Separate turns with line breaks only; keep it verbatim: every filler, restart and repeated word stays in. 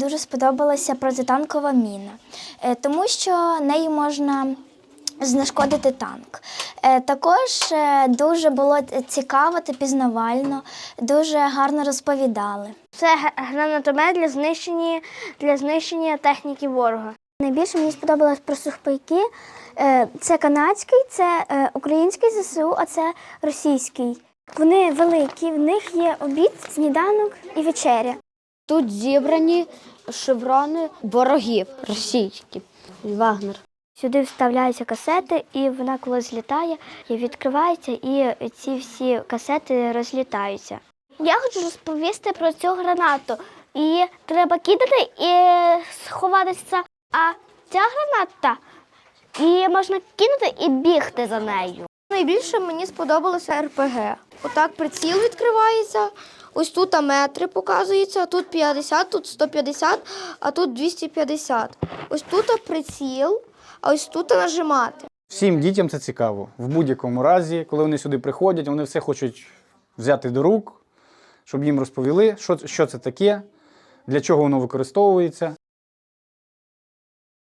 дуже сподобалася протитанкова міна, е, тому що нею можна знешкодити танк. Е, Також е, дуже було цікаво та пізнавально, дуже гарно розповідали.
Це г- гранатомет для знищення, для знищення техніки ворога.
Найбільше мені сподобалось про сухпайки. Е, Це канадський, це е, український ЗСУ, а це російський. Вони великі, в них є обід, сніданок і вечеря.
Тут зібрані шеврони ворогів російських. Вагнер.
Сюди вставляються касети, і вона коли злітає, і відкривається, і ці всі касети розлітаються.
Я хочу розповісти про цю гранату. Її треба кидати і сховатися. А ця граната, її можна кинути і бігти за нею.
Найбільше мені сподобалося ер пе ге. Отак приціл відкривається, ось тут метри показуються, тут п'ятдесят, тут сто п'ятдесят, а тут двісті п'ятдесят. Ось тут приціл, а ось тут нажимати.
Всім дітям це цікаво. В будь-якому разі, коли вони сюди приходять, вони все хочуть взяти до рук, щоб їм розповіли, що, що це таке, для чого воно використовується.